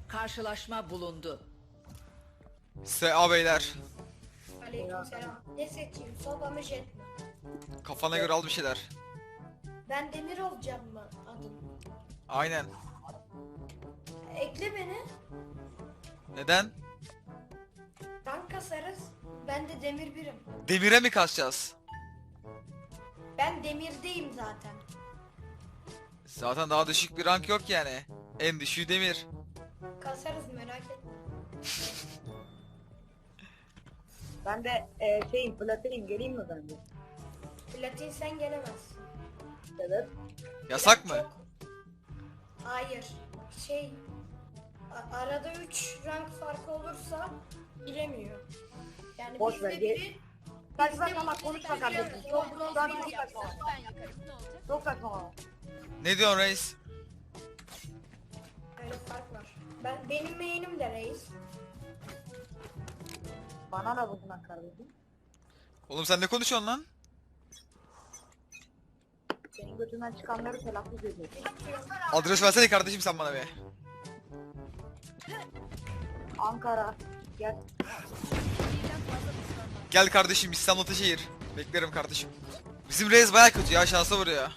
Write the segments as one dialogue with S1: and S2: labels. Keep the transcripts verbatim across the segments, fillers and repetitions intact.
S1: Karşılaşma bulundu.
S2: S A beyler.
S3: Aleykümselam. Ne seçeyim? Soba mı jet mi?
S2: Kafana göre al bir şeyler.
S3: Ben demir olacağım mı adım?
S2: Aynen.
S3: Ekle beni.
S2: Neden?
S3: Rank kasarız. Ben de demir birim.
S2: Demire mi kasacağız?
S3: Ben demirdeyim zaten.
S2: Zaten daha düşük bir rank yok yani. En düşüğü demir.
S3: Kasarız merak etme.
S4: Ben de e, şeyim platinim geleyim mi ben de?
S3: Platin sen gelemezsin.
S4: Evet.
S2: Yasak mı?
S3: Çok- Hayır. Şey... a- arada üç rank farkı olursa giremiyor. Yani
S4: Boş
S3: bizde
S4: ver, ge-
S3: biri...
S4: Saçma
S3: bizde
S4: ama
S3: biri
S4: konuşma
S3: giriyor,
S4: kardeşim.
S3: o
S4: Çok
S3: bronz
S4: şu an
S3: biri
S4: çok
S3: yapsa.
S4: saçma. Çok saçma.
S2: Ne diyorsun reis?
S3: Öyle fark var. Ben, benim main'im de reis.
S4: Bana ne bundan kardeşim?
S2: Oğlum sen ne konuşuyorsun lan?
S4: Senin götünden çıkanları telaffuz ediyor.
S2: Adres versene kardeşim sen bana be.
S4: Ankara. Gel.
S2: Gel kardeşim İstanbul Ataşehir. Beklerim kardeşim. Bizim reis baya kötü ya, şansa vuruyor.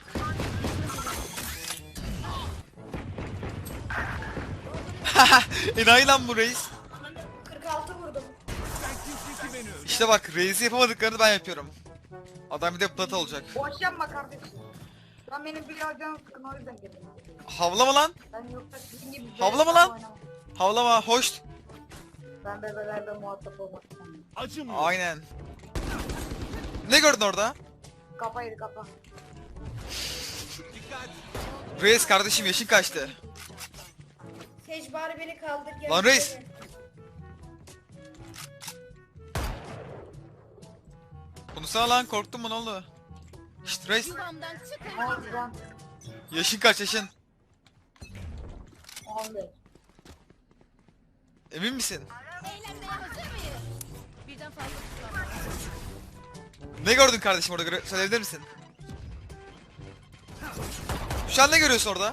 S2: Enayi lan bu reis.
S3: kırk altı vurdum.
S2: İşte bak, reisi yapamadıklarını ben yapıyorum. Adam bir de plat olacak.
S4: Boş yapma kardeşim. Şu an benim biraz canım sıkın o yüzden geldim.
S2: Havlama lan.
S4: Ben yoksa sizin gibi...
S2: Havlama lan. Havlama, hoş.
S4: Ben bebelerle muhatap olmak istemiyorum.
S2: Aynen. Ne gördün orada?
S4: Kapa yedi kapa.
S2: Reis kardeşim yaşın kaçtı?
S3: Sage bari beni kaldır. gel
S2: Lan reis.
S3: beni.
S2: Konuşsana lan, korktun mu, ne oldu? Şşt reis,
S5: Yuvamdan çıkın.
S4: on on
S2: yaşın kaç yaşın?
S4: on beş.
S2: Emin misin?
S5: Eğlenmeye hazır mıyız? Birden fazla tutamam.
S2: Ne gördün kardeşim orada, göre- söyleyebilir misin? Şu an ne görüyorsun orada?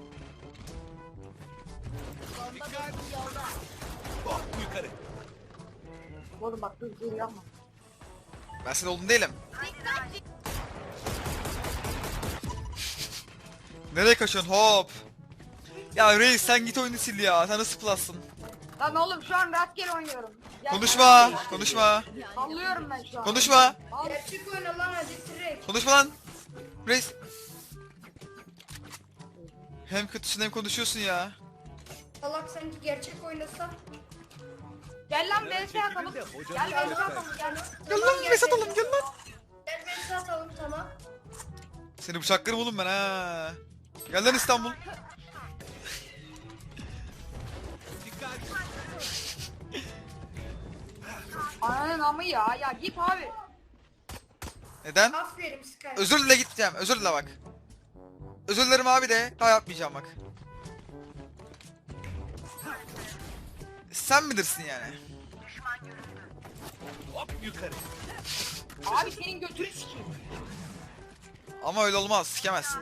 S5: Bomba dostum yolda.
S4: Oğlum bak dur dur yapma.
S2: Ben senin oğlun değilim.
S5: Dikkat dik.
S2: Nereye kaçıyorsun, hop? Ya reis sen git oyunu sil ya, sen nasıl plus'sın?
S4: Lan oğlum şu an rastgele oynuyorum. Gel-
S2: Konuşma, konuşma,
S4: Sallıyorum ben şu an.
S2: konuşma,
S4: Al.
S3: Gerçek oyna lan hadi direkt.
S2: konuşma lan. Reis. Hem kötüsün hem konuşuyorsun ya.
S3: Salak sanki gerçek oynasa.
S4: Gel lan V S atalım. Gel V S atalım gel.
S2: Gel lan
S3: gel,
S2: mesat
S3: gel.
S2: atalım, gel lan.
S3: Gel beni atalım tamam.
S2: Seni bıçaklarım oğlum ben ha. Gel lan İstanbul.
S4: Ananın amı ya ya git abi.
S2: Neden?
S3: Aferin Sky.
S2: Özür dile gideceğim, özür dile bak. Özür dilerim abi de, daha yapmayacağım bak. Sen bilirsin yani.
S4: Abi senin götünü sikeyim.
S2: Ama öyle olmaz, sikemezsin.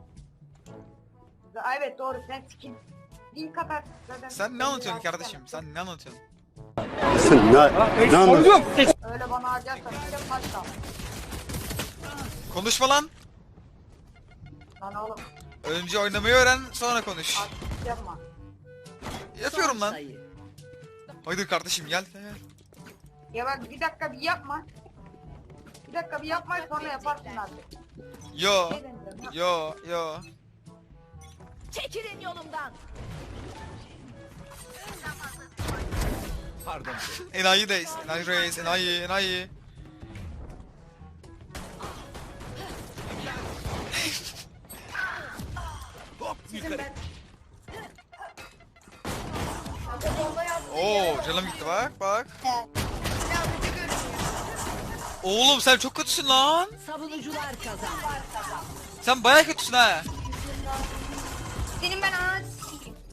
S4: Evet doğru sen sikeyim. Link atar zaten.
S2: Sen ne anlatıyorsun kardeşim? Sen ne anlatıyorsun?
S6: Ne, ne anlatıyorsun?
S4: Öyle bana harcarsan işte kaç kal.
S2: Konuşma lan.
S4: Lan oğlum
S2: Önce oynamayı öğren, sonra konuş.
S4: artık yapma.
S2: Yapıyorum lan.
S1: Sayı.
S2: Haydi kardeşim gel. gel.
S4: Ya bak bir dakika bir yapma. Bir dakika bir yapma sonra yaparsın artık.
S2: Yo,
S4: Ne deneyeceğim ya?
S2: yo, yo.
S5: Çekilin yolumdan.
S2: Enayi deyiz. Enayi reis, enayi, enayi.
S3: Sizin ben. Kanka bomba yaptı.
S2: Oo, canım gitti bak, bak.
S3: Silahlıcı görünüyor.
S2: Oğlum sen çok kötüsün lan.
S1: Savunucular kazandı.
S2: Sen bayağı kötüsün ha.
S3: Senin ben ağaç